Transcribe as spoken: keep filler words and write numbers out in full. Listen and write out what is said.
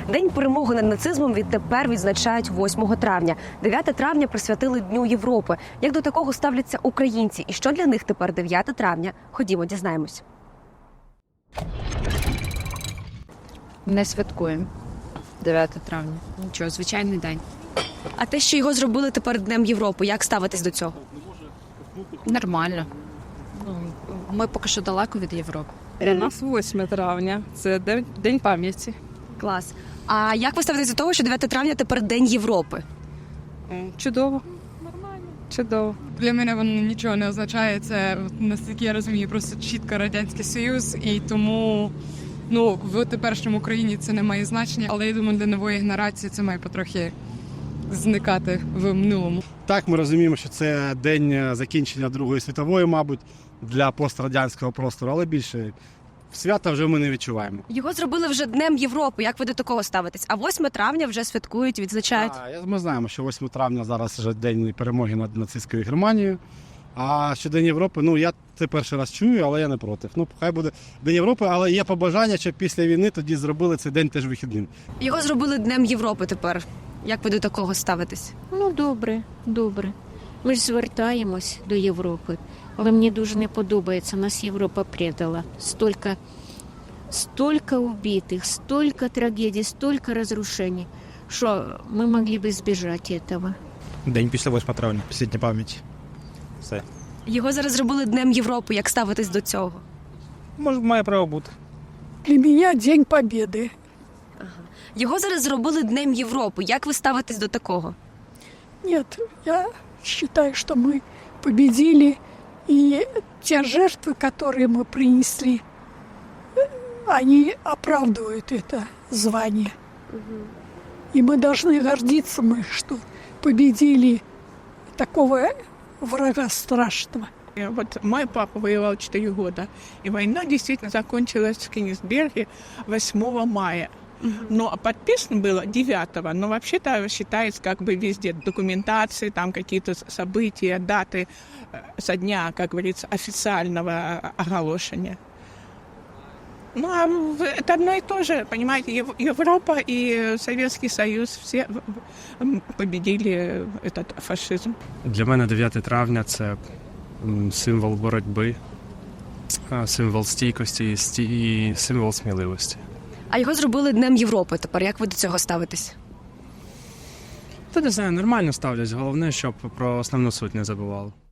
День перемоги над нацизмом відтепер відзначають восьмого травня. дев'яте травня присвятили Дню Європи. Як до такого ставляться українці? І що для них тепер дев'яте травня? Ходімо, дізнаємось. Не святкуємо дев'яте травня. Нічого, звичайний день. А те, що його зробили тепер Днем Європи, як ставитись до цього? Нормально. Ну, ми поки що далеко від Європи. У нас восьме травня. Це день, день пам'яті. Клас. А як ви ставитесь до того, що дев'яте травня тепер День Європи? Чудово. Нормально. Чудово. Для мене воно нічого не означає. Це, наскільки я розумію, просто чітко Радянський Союз. І тому ну, в теперішньому Україні це не має значення. Але я думаю, для нової генерації це має потрохи зникати в минулому. Так, ми розуміємо, що це день закінчення Другої світової, мабуть, для пострадянського простору, але більше свята вже ми не відчуваємо. Його зробили вже Днем Європи. Як ви до такого ставитесь? А восьме травня вже святкують, відзначають. А, ми знаємо, що восьме травня зараз вже день перемоги над нацистською Германією. А що День Європи, ну я це перший раз чую, але я не проти. Ну, хай буде День Європи, але є побажання, щоб після війни тоді зробили цей день теж вихідним. Його зробили Днем Європи тепер. Як ви до такого ставитесь? Ну, добре, добре. Ми ж звертаємось до Європи, але мені дуже не подобається, нас Європа предала. Столько, столько убитих, столько трагедій, столько розрушень, що ми могли б збіжати цього. День після восьмого травня, після Дня пам'яті. Все. Його зараз зробили Днем Європи. Як ставитесь до цього? Може, має право бути. Для меня День Победы. Його зараз зробили Днем Європи. Як ви ставитесь до такого? Нет, я считаю, что мы победили, и те жертвы, которые мы принесли, они оправдывают это звание. И мы должны гордиться, мы, что победили такого врага страшного. Вот мой папа воевал четыре года, и война действительно закончилась в Кенигсберге восьмого мая. Но подписано было девятого, но вообще-то считается как бы везде документации, там какие-то события, даты со дня, как говорится, официального оголошения. Ну, а это одно и то же, понимаете, Европа и Советский Союз все победили этот фашизм. Для мене дев'яте травня – це символ боротьби, символ стійкості і символ сміливості. А його зробили Днем Європи тепер. Як ви до цього ставитесь? Та не знаю, нормально ставлять. Головне, щоб про основну суть не забували.